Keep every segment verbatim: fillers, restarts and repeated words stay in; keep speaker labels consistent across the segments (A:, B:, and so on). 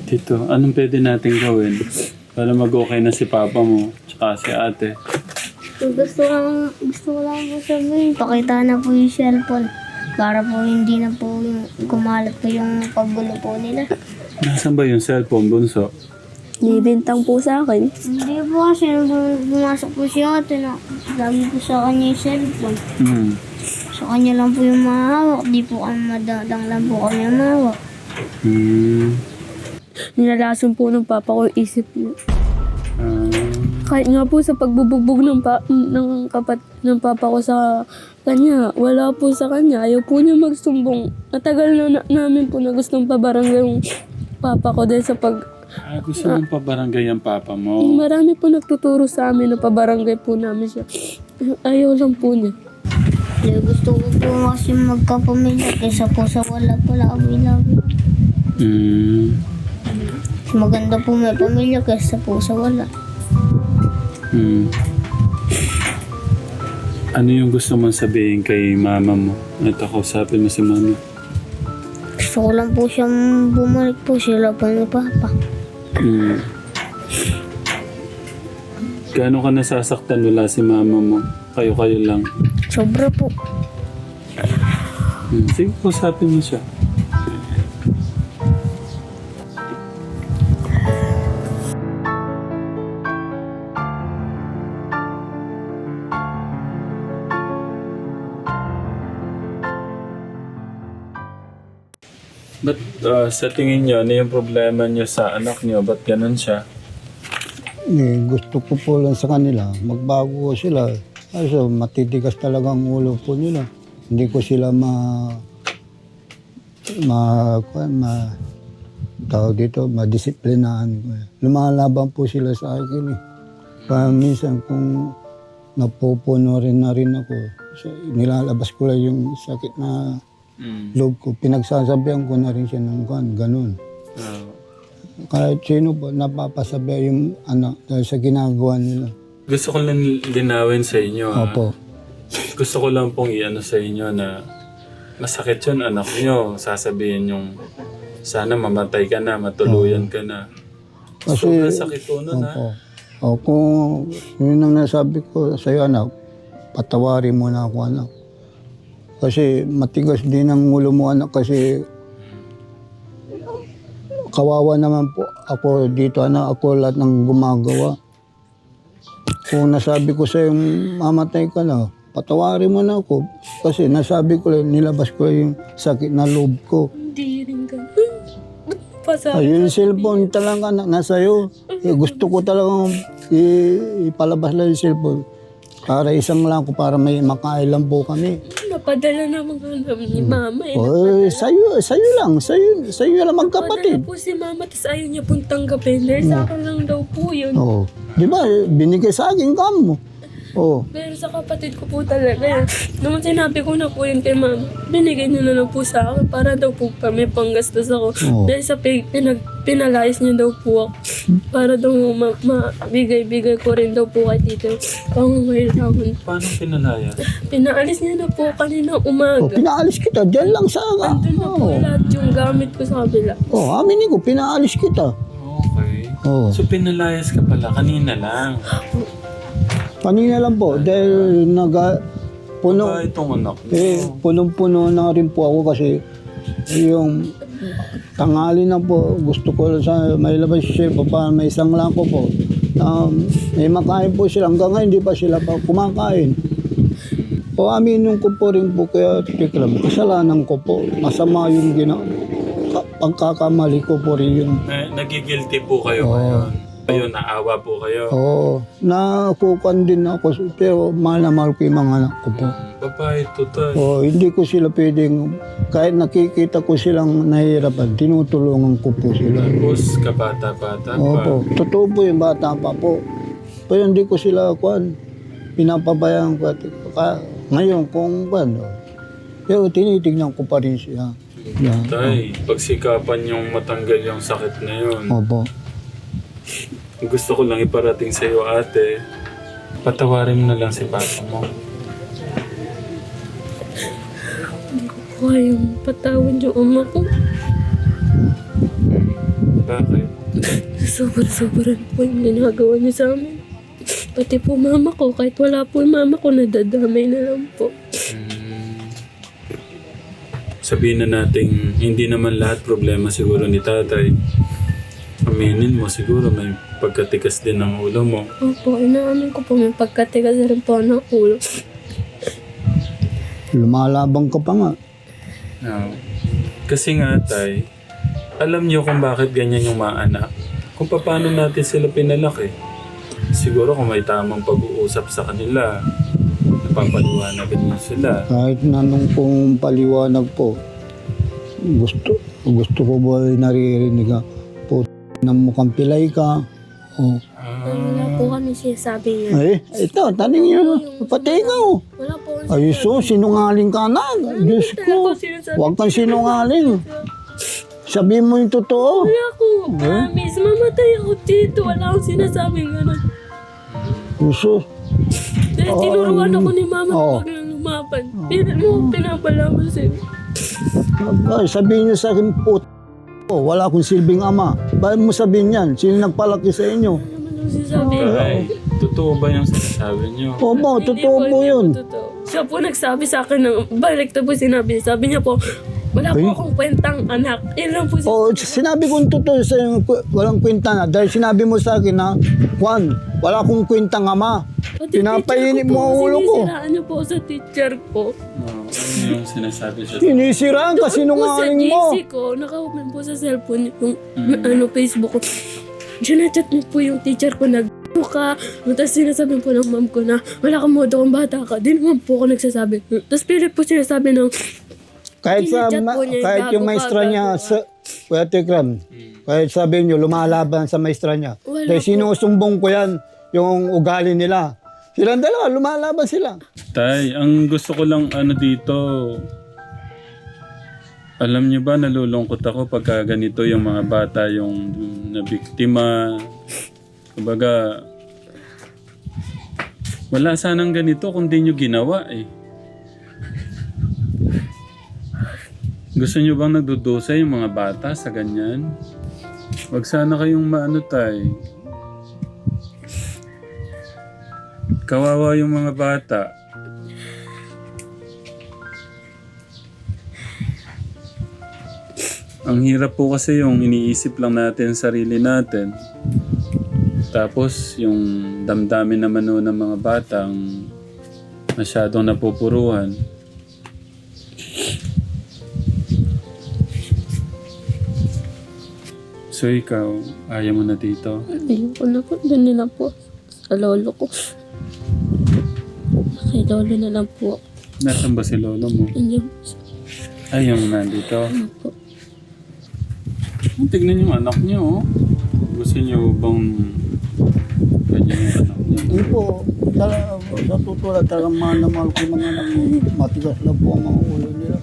A: Tito, anong pwede natin gawin para mag-okay na si papa mo tsaka si ate?
B: Gusto ko lang, gusto ko lang po sabihin, pakita na po yung cellphone. Para po hindi na po yung kumalat po yung pagulo po nila.
A: Nasaan ba yung cellphone, bunso?
C: Nibintang po sa akin.
B: Hindi po kasi nung pumasok po si ate na lagi po sa kanya yung cellphone.
A: Hmm.
B: Sa kanya lang po yung mahawak, di po kami madadang lang po kami yung mahawak.
A: Hmm.
C: Nilalason po ng papa ko yung isip niya.
A: Ah.
C: Kahit nga po sa pagbubugbog ng, pa, ng kapat ng papa ko sa kanya, wala po sa kanya. Ayaw po niya magsumbong. Matagal na, na namin po na gustong pabarangay yung papa ko dahil sa pag...
A: Ah, gusto mong pabarangay ang papa mo?
C: Marami po nagtuturo sa amin na pabarangay po namin siya. Ayaw lang po niya.
B: Kaya gusto ko po kasi magkapamilya kaysa po sa wala po labi-labi.
A: Hmm.
B: Maganda po may pamilya kaysa po sa wala.
A: Hmm. Ano yung gusto mong sabihin kay mama mo? At ako, sabi mo si mama.
B: Gusto ko lang po siyang bumalik po sila po ni Papa.
A: Hmm. Gaano ka nasasaktan wala si mama mo? Kayo-kayo lang.
B: Sobra po.
A: Hmm. Sige, usapin mo siya. Ba't uh, sa tingin niyo, ano yung problema niyo sa anak niyo? Ba't ganun siya?
D: Eh, gusto ko po lang sa kanila, magbago ko sila. Kaso matitigas talaga ang ulo po nila. Hindi ko sila ma... ma... kuwan, ma... tawag dito, madisiplinaan ko. Lumalaban po sila sa akin eh. Kaya minsan kung napupuno rin na rin ako, so, nilalabas ko lang yung sakit na
A: Mm.
D: loob ko. Pinagsasabihan ko na rin siya ng kuwan, ganun.
A: Uh,
D: Kahit sino po, napapasabi yung ano, dahil sa ginagawa nila.
A: gusto ko lang linawin sa inyo. Ha?
D: Opo.
A: Gusto ko lang pong i-ano sa inyo na masakit yun anak niyo. Sasabihin yung sana mamatay ka na, matuluyan ka na.
D: Kasi,
A: Sobrang sakit po nun ha.
D: opo. O kung yun ang nasabi ko sa'yo, anak, patawarin mo na ako, anak. Kasi matigas din ang ulo mo, anak, kasi kawawa naman po ako dito, anak. Ako lahat ng gumagawa. Kung nasabi ko sa'yo, mamatay ka na, patawarin mo na ako. Kasi nasabi ko lang, nilabas ko lang yung sakit na loob ko.
C: Hindi rin ganun. Pasabi.
D: Ayun, yung cellphone talaga na, nasa'yo. Eh, gusto ko talagang i- ipalabas lang yung cellphone. Para isang lang ko, para may makain lang po kami.
C: Napadala naman ka namin ni mama eh.
D: Oh, sa'yo, sa'yo lang, sa'yo, sa'yo lang
C: Napadala
D: magkapatid.
C: po si mama, tapos ayaw niya pong tanggapin. Dahil sa akin lang daw po yun.
D: Oh, di ba, binigay sa akin kamo. Oh,
C: Pero sa kapatid ko po talaga. Nung sinabi ko na po yun kay mama, binigay niya na lang po sa akin para daw po kami panggastos ako.
D: Oo.
C: Dahil sa pig, pinag, pinalayas niya daw po ako. Para daw ma- mabigay-bigay ko rin daw po kay tito. Pangangailangan.
A: Paano pinalaya?
C: Pinaalis niya na po kanina
D: oh,
C: umaga.
D: pinaalis kita, dyan lang sa aga.
C: Andun na po
D: Oh,
C: lahat yung gamit ko sa kabila.
D: oh, aminin ko, pinaalis kita.
A: Okay.
D: Oh,
A: So pinalayas ka pala, kanina lang.
D: kanina lang po, dahil naga, puno,
A: Ba itong anak mo?
D: eh, punong-puno na rin po ako kasi yung tanghali na po, gusto ko lang sa may labas siya po para may isang lang ko po. Um, may makain po sila, hanggang ngayon hindi pa sila pa kumakain. O aminin ko po rin po, kaya tiklam, kasalanan ko po, masama yung gina, ka- pagkakamali ko po rin yun.
A: Na, nagigilty po kayo
D: Oo.
A: ngayon. Ayun, naawa po kayo.
D: Oo, nakukuan din ako, pero mahal na mahal ko yung mga anak ko po.
A: Babae, tutay.
D: O, hindi ko sila pwedeng, kahit nakikita ko silang nahihirapan, tinutulungan ko po sila.
A: Tapos, kabata-bata pa.
D: Opo, totoo po yung bata pa po. Pero hindi ko sila, kuan, pinapabayaan ko. At, ka, ngayon, kung kuan, o, pero tinitignan ko pa rin siya. Yeah.
A: Tay, pagsikapan yung matanggal yung sakit na yun.
D: Opo.
A: Gusto ko lang iparating sa iyo, ate. Patawarin mo na lang si papa mo.
C: Kaya yung patawad yung ama ko.
A: Bakit?
C: sobra-sobra po yung ginagawa niya sa amin. Pati po mama ko, kahit wala po yung mama ko, nadadamay na lang po.
A: Hmm. Sabihin na natin, hindi naman lahat problema siguro ni tatay. Aminin mo siguro may pagkatikas din ng ulo mo.
C: Opo, inaamin ko po, may pagkatigas na rin po ng ulo.
D: Lumalabang ka pa nga.
A: No. Kasi nga tay, alam niyo kung bakit ganyan yung mga anak. Kung paano natin sila pinalaki. Siguro kung may tamang pag-uusap sa kanila, napapaliwanagan mo sila.
D: Kahit nanong pong paliwanag po, gusto gusto ko ba naririnig ka, po ng mukhang pilay ka. Oh.
C: Wala po kami sinasabi niya.
D: Ay, ito, taning nyo, pati ikaw.
C: Wala po kami
D: Ay, so, sinungaling ka na. Diyos ko, huwag kang sinungaling. Sabihin mo yung totoo.
C: Wala ko. Promise, mamatay ako dito. Wala akong sinasabing gano'n.
D: Gusto.
C: Dahil tinuruan ako ni mama na
D: Oo.
C: huwag nang lumaban. Pero mo, pinapalaman sa'yo.
D: Ay, sabihin nyo sa akin, put. Oh, wala akong silbing ama. Bakit mo sabihin yan? Sino nagpalaki sa inyo?
C: Ano naman ang sinasabi?
A: Ay, totoo ba yung sinasabi niyo?
D: Opo,
C: Hindi
D: totoo po
C: hindi
D: yun.
C: totoo. Siya po nagsabi sa akin ng balik na po sinabi. Sabi niya po, wala po
D: Ay.
C: akong kwentang anak. Yan lang po siya.
D: Oh, sinabi kong totoo sa iyo, walang kwenta na. Dahil sinabi mo sa akin na, Juan, wala akong kwentang ama.
C: Pati
D: Pinapainit
C: teacher
D: mo ang
C: po,
D: ulo ko.
C: sinisiraan niyo po sa teacher ko.
A: No, ano yung sinasabi siya?
D: Sinisiraan ka, sinungaling mo.
C: Doon po sa G C ko, naka-open po sa cellphone yung ano, Facebook ko. Sinachat mo po yung teacher ko na "G***o ka." Tapos sinasabi po ng mom ko na wala kang modo kung bata ka. Di naman po ako nagsasabi. Tapos pilit po sinasabi ng
D: Kahit sa
C: Sinachat
D: ma-
C: po niya yung
D: kahit yung
C: gago
D: maestra
C: ka,
D: niya
C: gago
D: sa Kuya Tekram, kahit sabihin niyo lumalaban sa maestra niya.
C: Wala
D: Dahil
C: po.
D: sinusumbong ko yan yung ugali nila. Silang dalawa, lumalaban sila.
A: Tay, ang gusto ko lang ano dito, alam niyo ba nalulungkot ako pagka ganito yung mga bata yung nabiktima. Kumbaga, wala sanang ganito kung di nyo ginawa eh. Gusto nyo bang nagdudusa yung mga bata sa ganyan? Wag sana kayong maano tay. Kawawa yung mga bata. Ang hirap po kasi yung iniisip lang natin sarili natin. Tapos yung damdamin naman no ng mga batang masyadong napupuruhan. So ikaw, ayaw mo na dito?
C: ayoko na po. Doon na lang po. Sa lolo ko. Kay lolo na lang po.
A: Nasaan ba si lolo mo?
C: Andiyan
A: Ay, yung nandito.
C: po.
A: Tignan yung anak niyo, oh. Gusto niyo bang ganyan yung anak niyo?
D: Hindi po, talaga, sa totoo lang, talagang mahal na mahal ko yung mga anak ko. Matigas lang po ang mga ulo nila.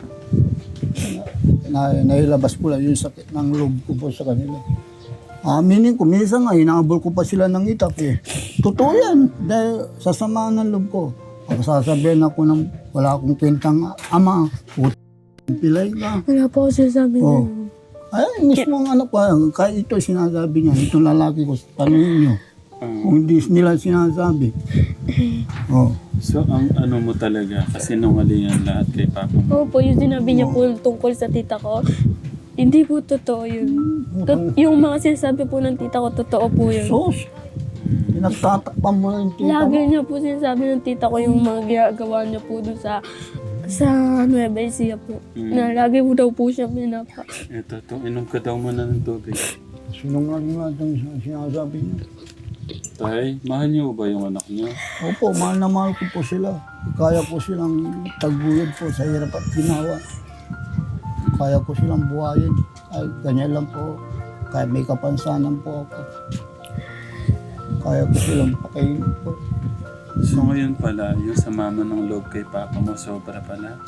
D: Na, nailabas ko lang yung sakit ng loob ko po sa kanila. Aminin ko, minsan nga, hinabol ko pa sila ng itak eh. Totoo yan, dahil sasamaan ng loob ko. Pag sasabihin ako ng wala akong kwentang ama, puto, pilay ka.
C: Wala po ako sinasabi
D: Oh.
C: na.
D: Ay, mismo ang anak ko, kahit ito sinasabi niya, itong lalaki ko, tanongin niyo.
A: Ah,
D: Kung hindi nila sinasabi. Oh.
A: so, ang ano mo talaga, kasi nungalingan lahat kay Papa mo.
C: Opo, yung sinabi niya po tungkol sa tita ko, hindi po totoo yun. Tot- yung mga sinasabi po ng tita ko, totoo po yun.
D: Sos, pinagtatakpan mo lang yung tita
C: Lagi
D: mo.
C: niya po sinasabi ng tita ko yung mga ginagawa niya po doon sa sa Nueva Ecija po.
A: Mm.
C: Na lagi po daw po siya pinapa.
A: Ito, to, inom ka daw muna ng tubig.
D: Sinungaling nga itong sinasabi niya.
A: Tay, mahal niyo ba yung anak niyo?
D: Opo, mahal na mahal ko po sila. Kaya ko silang taguyod po sa hirap at ginawa. Kaya ko silang buhayin. Ay, ganyan lang po. Kaya may kapansanan po ako. Kaya ko silang pakainin po.
A: So ngayon pala, yung sa mama ng loob kay Papa mo, sobra pala.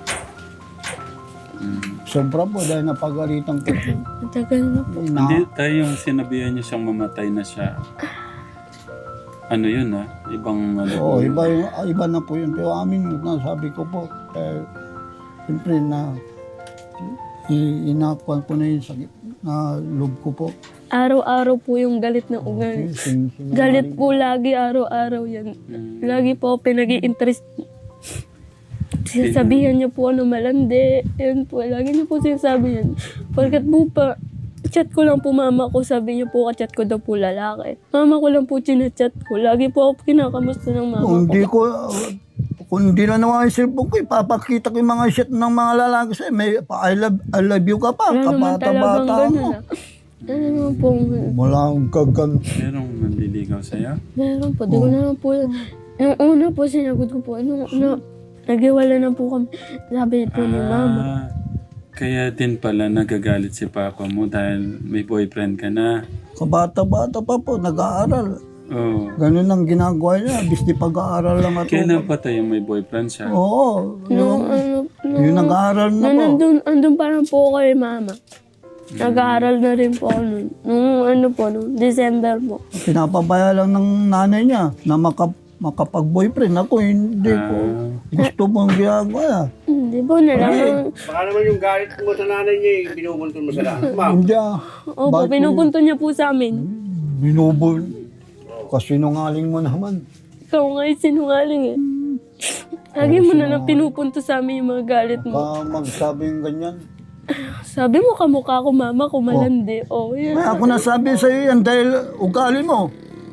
A: Mm.
D: Sobra po dahil napagalitan ko.
C: Matagal na po.
D: Na,
A: Hindi tayo yung sinabihan niyo siyang mamatay na siya. Ano yun ha? Ibang ano
D: Oo,
A: po yun.
D: iba, yung- iba na po yun. Pero amin na sabi ko po, eh, siyempre na i- inakuan ko na yung sakit. na loob ko po.
C: Araw-araw po yung galit na ugali.
D: Sin- sin-
C: Galit po lagi, araw-araw yan.
A: Mm.
C: Lagi po pinag-i-interest. Sinasabihan niya po ano malandi. Yan po, lagi niya po sinasabi yan. Pagkat po pa, chat ko lang po mama ko, sabi niya po ka-chat ko daw po lalaki. Mama ko lang po chinachat ko. Lagi po ako kinakamusta ng mama
D: Kung
C: ko.
D: hindi ko, kung hindi na naman yung cellphone ko, ipapakita ko yung mga shit ng mga lalaki sa'yo. May pa, I love, I love you ka pa,
C: Wala naman talagang
D: kabata-bata mo.
C: ganun ah. Ano naman po,
D: Wala akong kagan.
A: Merong manliligaw sa'yo?
C: meron po, di ko na lang po, yung una po sinagot ko po, nung na, naghiwala na po kami, sabi po ni mama.
A: Ah, kaya din pala nagagalit si papa mo dahil may boyfriend ka na.
D: Kabata-bata pa po, nag-aaral.
A: Oh.
D: Ganun ang ginagawa niya, bis di pag-aaral lang ako.
A: Kailan pa tayo may boyfriend siya?
D: Oo,
C: Nung
D: yung,
C: ano, nung,
D: yung nag-aaral na
C: nung
D: po.
C: nandun, andun pa lang po kay mama. Nag-aaral na rin po ako nun. Nung ano po, nung December po.
D: Pinapabaya lang ng nanay niya na maka, makapag-boyfriend. Ako hindi ko. Gusto mong ginagawa.
C: Hindi po, nalaman.
E: Baka naman yung galit mo sa nanay niya, eh, binubuntun mo sa lahat. Ma'am,
D: Hindi ah.
C: Opo,
D: Bakit?
C: pinupunto niya po sa amin.
D: Binubul. Kasi nungaling mo naman.
C: Ikaw nga yung sinungaling eh. Lagi mo na lang pinupunto sa amin yung mga galit mo.
D: Baka magsabing ganyan.
C: Sabi mo kamukha ko mama ko malandi. Oh, yan.
D: May ako nasabi sa iyo yan dahil ugali mo.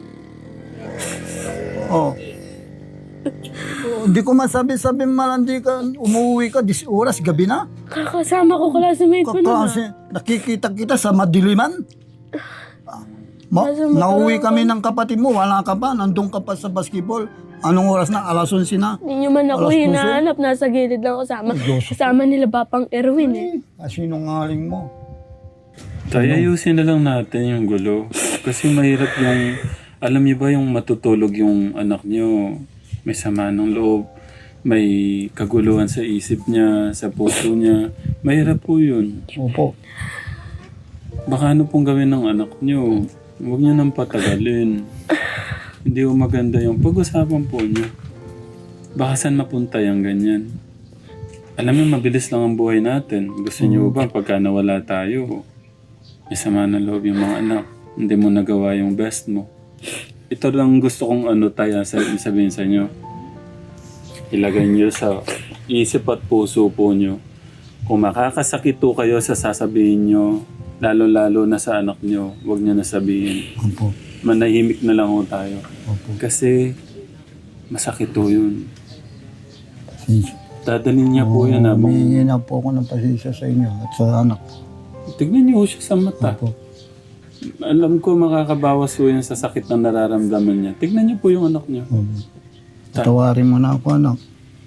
D: Oh. Hindi ko masabi-sabi malandi ka, umuwi ka, dis oras, gabi na.
C: Kakasama ko classmate ko na.
D: Kasi nakikita kita sa madiliman. Ma-
C: Nasa
D: nauwi kami ng kapatid mo, wala ka pa, nandun ka pa sa basketball. Anong oras na? Alas onse na.
C: Hindi nyo man ako
D: Alas puso.
C: hinahanap. Nasa gilid lang kasama. Kasama nila Papang Erwin eh.
D: Kasi nungaling mo.
A: Tayo ayusin na lang natin yung gulo. Kasi mahirap yung, alam niyo ba yung matutulog yung anak niyo, may sama ng loob, may kaguluhan sa isip niya, sa puso niya. Mahirap po yun.
D: Opo.
A: Baka ano pong gawin ng anak niyo? Huwag niyo nang patagalin. Hindi ko maganda yung pag-usapan po niyo. Baka saan mapunta yung ganyan? Alam mo, mabilis lang ang buhay natin. Gusto niyo ba pagka nawala tayo, may sama ng loob yung mga anak, hindi mo nagawa yung best mo. Ito lang gusto kong ano tayo sa sabihin sa inyo. Ilagay niyo sa isip at puso po niyo. Kung makakasakit po kayo sa sasabihin niyo, lalo-lalo na sa anak niyo, huwag niyo na sabihin.
D: Opo.
A: Manahimik na lang ho tayo.
D: Opo.
A: Kasi masakit po yun.
D: Sin-
A: Dadalhin niya po yan habang...
D: Humingi na po ako ng pasensya sa inyo at sa anak.
A: Tignan niyo ho siya sa mata.
D: Opo.
A: Alam ko makakabawas po yan sa sakit na nararamdaman niya. Tignan niyo po yung anak niyo.
D: Opo. Patawarin mo na ako, anak.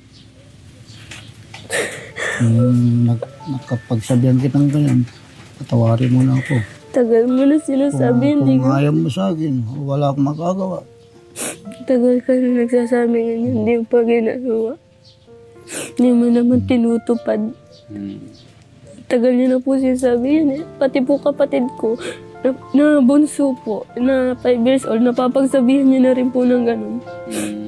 D: Kung nag, nakapagsabihan kitang ganyan, patawarin mo na ako.
C: Tagal mo na sinasabi. Hindi
D: Kung
C: ko.
D: ayaw mo sa akin, wala akong magagawa.
C: Tagal ka na nagsasabi ganyan. Hindi mo pa ginagawa. Hindi mo naman tinutupad.
A: Hmm.
C: Tagal niya na po sinasabi yan eh. Pati po kapatid ko, na, na bunso po, na five years old, napapagsabihan niya na rin po ng ganun.
A: Hmm.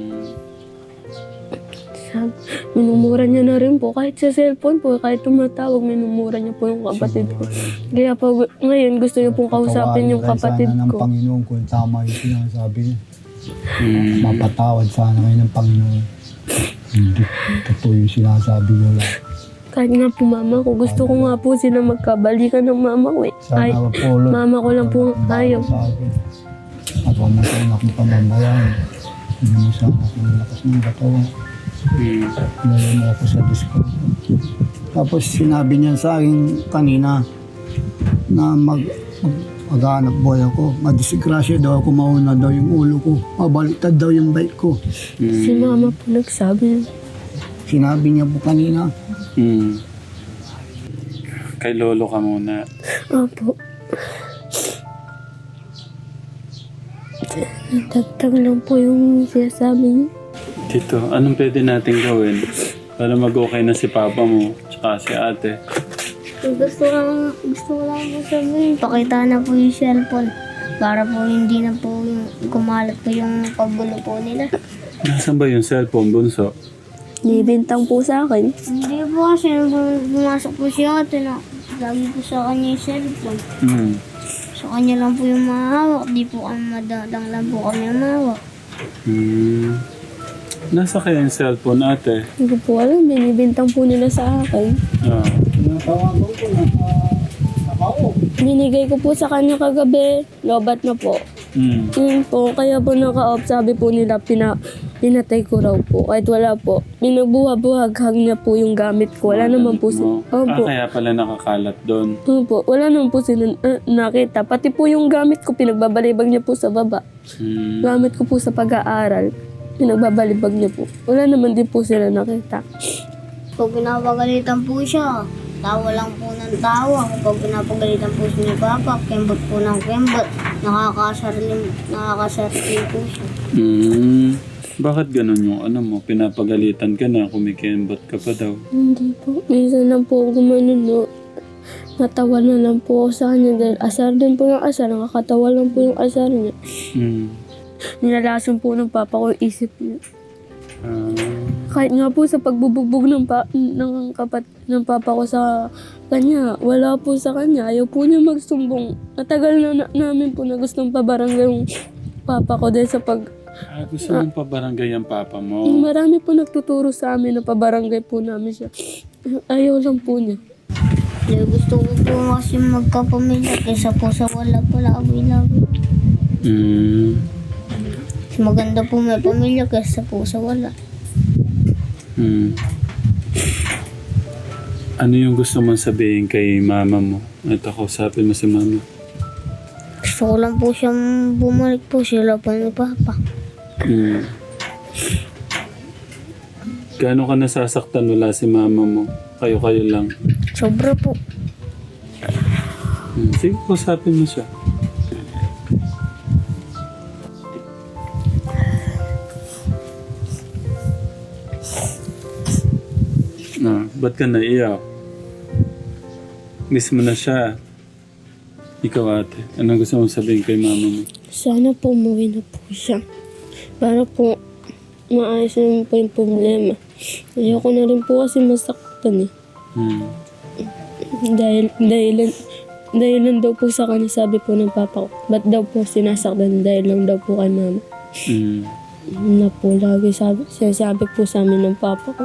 C: Sab- minumura niya na rin po, kahit sa cellphone po, kahit tumatawag, minumura niya po yung kapatid ko. Kaya pa ngayon gusto niya pong kausapin yung kapatid
D: sana ng
C: ko.
D: Panginoon kung tama yung sinasabi niya.
A: Hmm.
D: Mapatawad sana kayo ng Panginoon. Hindi totoo yung sinasabi niyo lang.
C: Kahit nga po mama ko, gusto ko nga po sila magkabalikan ng mama ko eh. Ay,
D: Sana po, Lord,
C: mama ko lang po ayaw.
D: sa akin. At huwag mo sa akong pamamayan. Hindi mo sa akong lakas ng katawan.
A: Hmm.
D: Lalo mo ako sa disco. Tapos sinabi niya sa akin kanina na mag, mag mag-aanap boy ako. Madisgrasya daw ako, mauna daw yung ulo ko. Mabaliktad daw yung bike ko.
C: Si mama po nagsabi.
D: Sinabi niya po kanina.
A: Hmm. Kay lolo ka muna.
C: Opo. Nagtagtag lang po yung sinasabi niya.
A: Tito, anong pwede natin gawin para mag-okay na si papa mo tsaka si ate?
B: Gusto lang, gusto ko lang po sabihin, pakita na po yung cellphone. Para po hindi na po yung kumalat po yung paggulo po nila.
A: Nasaan ba yung cellphone, bunso?
C: Nibintang po sa akin.
B: Hindi po kasi nung pumasok po si ate na lagi po sa kanya yung cellphone.
A: Hmm.
B: Sa kanya lang po yung mahawak. Di po kami madadang lang po kami yung mahawak.
A: Hmm. Nasa kaya yung cellphone, ate?
C: Hindi ko po alam, binibintang po nila sa akin.
A: Ah.
D: Tinatawagan ko na nakao.
C: Binigay ko po sa kanya kagabi, lobat na po.
A: Hmm.
C: Yun po, kaya po naka-off, sabi po nila, pina, pinatay ko raw po. Kahit wala po. Binagbuha-buhaghag niya po yung gamit ko. Wala naman po sila.
A: Ah,
C: Opo.
A: kaya pala nakakalat doon.
C: Opo, wala naman po sila uh, nakita. Pati po yung gamit ko, pinagbabalibag niya po sa baba.
A: Hmm.
C: Gamit ko po sa pag-aaral, pinagbabalibag niya po. Wala naman din po sila nakita.
B: Pag pinapagalitan po siya, tawa lang po ng tawa. Kapag pinapagalitan po siya ni Papa, kembot po ng kembot. Nakakasarling, nakakasarling po siya.
A: Hmm. Bakit ganun yung ano mo? Pinapagalitan ka na, kumikembot ka pa daw.
C: Hindi po. Minsan lang po ako gumanon, no. Natawa na lang po ako sa kanya dahil asar din po yung asar. Nakakatawa lang po yung asar niya.
A: Hmm.
C: Nilalason po ng papa ko yung isip niya.
A: Ah.
C: Kahit nga po sa pagbubugbog ng, pa, ng kapat ng papa ko sa kanya, wala po sa kanya. Ayaw po niya magsumbong. Matagal na, na namin po na gustong pabarangay yung papa ko dahil sa pag...
A: Ah, gusto mong pabarangay ang papa mo?
C: Marami po nagtuturo sa amin na pabarangay po namin siya. Ayaw lang po niya.
B: Dahil gusto ko po kasi magkapamilya kaysa po sa wala pala kami-labi.
A: Hmm.
B: Maganda po may pamilya kaysa po sa wala.
A: Hmm. Ano yung gusto mong sabihin kay mama mo? At ako, sabi mo si mama.
B: Gusto ko lang po siyang bumalik po sila pa ni Papa.
A: Hmm. Gaano ka nasasaktan wala si mama mo? Kayo-kayo lang.
B: Sobra po.
A: Hmm. Sige, kusapin mo siya. Ah, ba't ka naiyak? Miss mo na siya. Ikaw ate, anong gusto mong sabihin kay mama mo?
C: Sana po umuwi na po siya. Para po maayos na po yung problema. Ayoko na rin po kasi masaktan eh.
A: Hmm.
C: Dahil, dahilan, dahilan daw po sa kanya sabi po ng papa ko. Ba't daw po sinasaktan dahil lang daw po kay mama.
A: Hmm.
C: Na po lagi sabi, sinasabi po sa amin ng papa ko.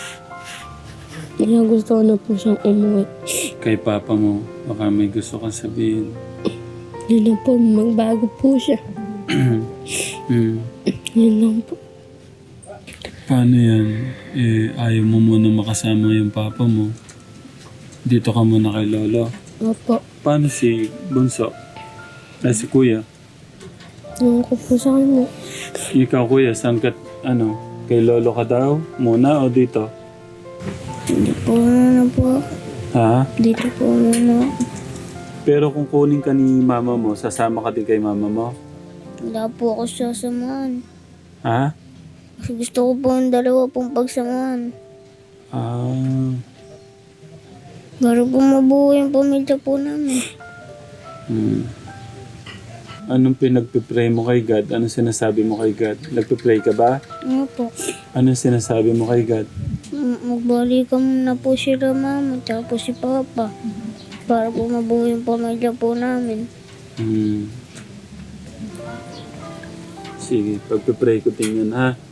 C: Kaya gusto ko na po siyang umuwi.
A: Kay papa mo, baka may gusto kang sabihin.
C: Yun lang po, magbago po siya.
A: Hmm.
C: Yun lang po.
A: Paano yan? Eh, ayaw mo muna makasama yung papa mo. Dito ka muna kay lolo.
C: Opo.
A: Paano si Bunso? Ay, si kuya.
C: Ewan ko po sa kanya.
A: Ikaw kuya, saan ka, ano, kay lolo ka daw? Muna o dito?
B: Hindi po muna po.
A: Ha?
B: Dito po muna.
A: Pero kung kunin ka ni mama mo, sasama ka din kay mama mo?
B: Wala po ako sasamahan.
A: Ha?
B: Kasi gusto ko po ang dalawa pong pagsamahan.
A: Ah.
B: Para po mabuo yung pamilya po namin.
A: Hmm. Anong pinagpipray mo kay God? Anong sinasabi mo kay God? Nagpipray ka ba?
B: Ano po?
A: Anong sinasabi mo kay God?
B: M- Magbalikan na po sila mama tsaka po si Papa. Para po mabuo yung pamilya po namin.
A: Hmm. Sige, pagpipray ko din yun, ha?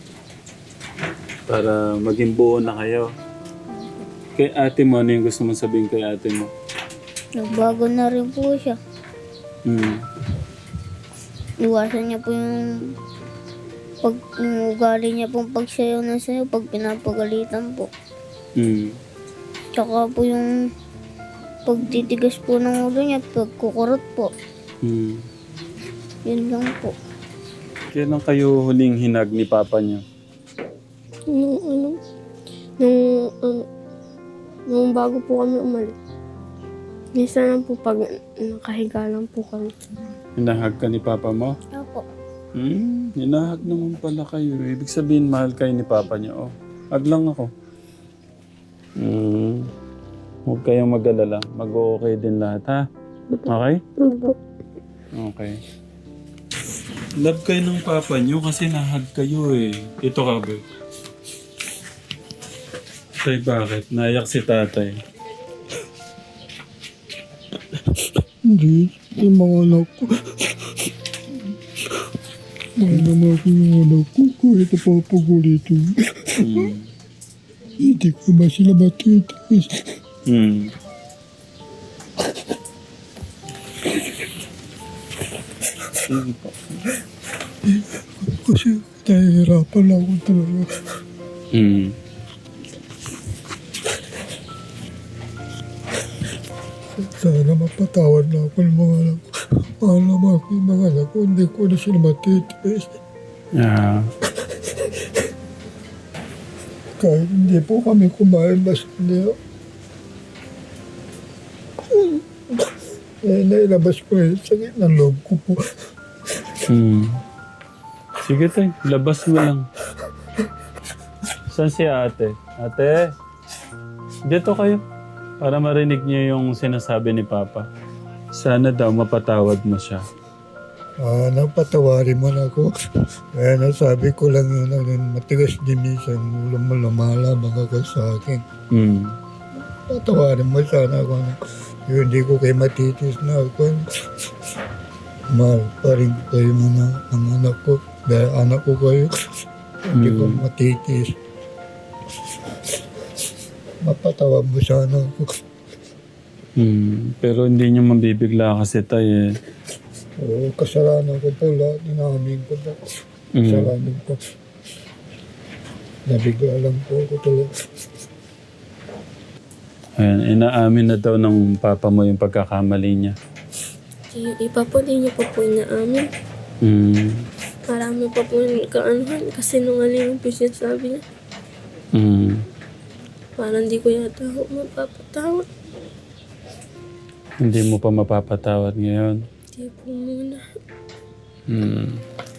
A: Para maging buo na kayo. Kay ate mo, ano yung gusto mong sabihin kay ate mo?
B: Nagbago na rin po siya.
A: Hmm.
B: Iwasan niya po yung pag yung ugali niya pong pagsayaw na sayo pag pinapagalitan po.
A: Hmm.
B: Tsaka po yung pagtitigas po ng ulo niya, pagkukurot po.
A: Hmm.
B: Yun lang po.
A: Kailan kayo huling hinag ni papa niyo?
C: Nung ano, nung, ano, nung bago po kami umalis. Minsan lang po pag nakahiga lang po kami.
A: Hinahag ka ni papa mo?
B: Opo.
A: Hmm, hinahag naman pala kayo. Ibig sabihin, mahal kayo ni papa niyo. Oh, hag lang ako. Hmm. Huwag kayong mag-alala. Mag-okay din lahat, ha? Okay?
C: Opo.
A: Okay. Love kayo ng papa niyo kasi nahag kayo eh. Ito ka ba? Tay, bakit? Naiyak si tatay.
D: Hindi, yung mga anak ko. Mahal naman ako yung anak ko kahit napapagulitin.
A: Mm.
D: Hindi ko ba sila matitis?
A: Mm. Sige po.
D: Kasi nahihirapan lang ako talaga.
A: Mm.
D: Sana mapatawad na ako ng mga anak ko. Mahal naman ako yung mga anak ko. Hindi ko na sila matitis.
A: Yeah.
D: Kahit hindi po kami kumain, basta hindi. Eh, nailabas ko yung sakit ng loob ko po.
A: Hmm. Sige tayo, labas mo lang. Saan si ate? Ate, dito kayo. Para marinig niyo yung sinasabi ni Papa. Sana daw mapatawad mo siya.
D: Ah, napatawarin mo na ako. Kaya nasabi ko lang yun, ano, matigas din minsan, ulo mo lumalabang ka sa akin.
A: Hmm.
D: Patawarin mo sana ako. Ano, yun, hindi ko kayo matitis na ako. Mahal pa rin kayo mga ang anak ko. Dahil anak ko kayo, hindi ko
A: Mm.
D: matitis. Mapatawa mo sana ako.
A: Hmm. Pero hindi niyo mabibigla kasi tayo eh.
D: Oo, kasalanan ko po lahat. Inamin ko po.
A: Mm.
D: Kasalanan ko. Nabigla lang po ako talaga.
A: Ayan, inaamin na daw ng Papa mo yung pagkakamali niya.
C: Yung iba po, di niyo po po inaamin.
A: Hmm.
C: Marami pa po yung kaanuhan kasi nungaling po siya sabi niya.
A: Hmm.
C: Parang di ko yata ako mapapatawad.
A: Hindi mo pa mapapatawad ngayon.
C: Di po muna.
A: Hmm.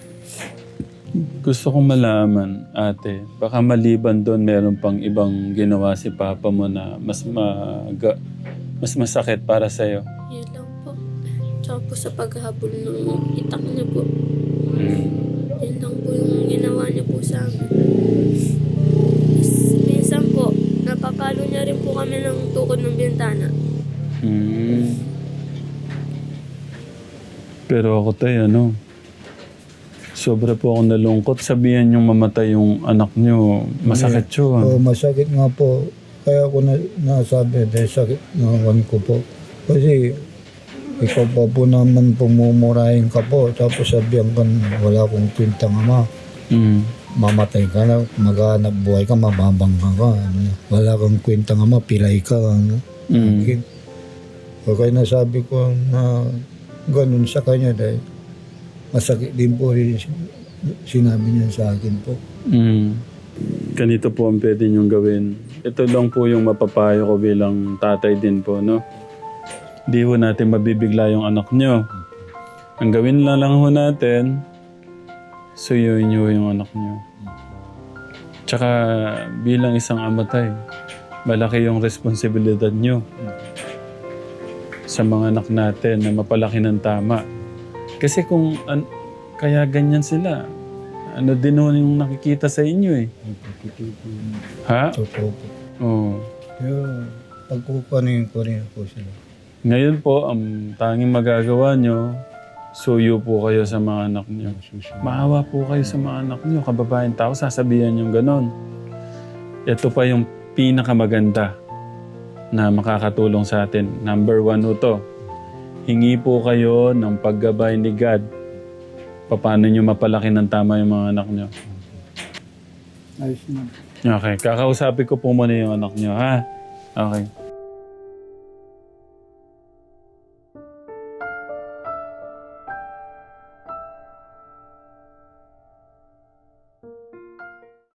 A: Gusto kong malaman, ate, baka maliban doon meron pang ibang ginawa si Papa mo na mas maga, mas masakit para sa'yo.
C: Yun lang po. Tsaka po sa paghahabol ng itak niya po.
A: Hmm.
C: Yun lang po yung ginawa niya po sa amin. Tapos, minsan po, napapalo niya rin po kami ng tukod ng bintana.
A: Hmm. Pero ako tayo, ano, sobra po ako nalungkot. Sabihan yung mamatay yung anak nyo. Masakit yun.
D: Oo, masakit nga po. Kaya ako na, nasabi dahil sakit ng ko po. Kasi ikaw pa po naman pumumurahin ka po. Tapos sabihan ka na wala akong kwentang ama.
A: Hmm.
D: Mamatay ka na, maghanap buhay ka, mababang ka ka. Ano, wala kang kwentang ama, pilay ka. Ano.
A: Hmm.
D: Okay. So, kaya nasabi ko na ganun sa kanya dahil masakit din po rin sinabi niya sa akin po.
A: Mm. Ganito po ang pwede niyong gawin. Ito lang po yung mapapayo ko bilang tatay din po, no? Di ho natin mabibigla yung anak niyo. Ang gawin lang lang ho natin, suyuin niyo yung anak niyo. Tsaka bilang isang amatay, malaki yung responsibilidad niyo sa mga anak natin na mapalaki ng tama. Kasi kung an- kaya ganyan sila, ano din ho yung nakikita sa inyo eh. Ha?
D: Totoo po.
A: Oo.
D: Pero pagkukunin ko rin po sila.
A: Ngayon po, ang tanging magagawa nyo, suyo po kayo sa mga anak nyo. Maawa po kayo sa mga anak nyo. Kababayan tao, sasabihan nyo ganon. Ito pa yung pinakamaganda na makakatulong sa atin. Number one ho to. Hingi po kayo ng paggabay ni God. Paano nyo mapalaki ng tama yung mga anak nyo.
D: Ayos na.
A: Okay, kakausapin ko po muna yung anak nyo, ha? Okay.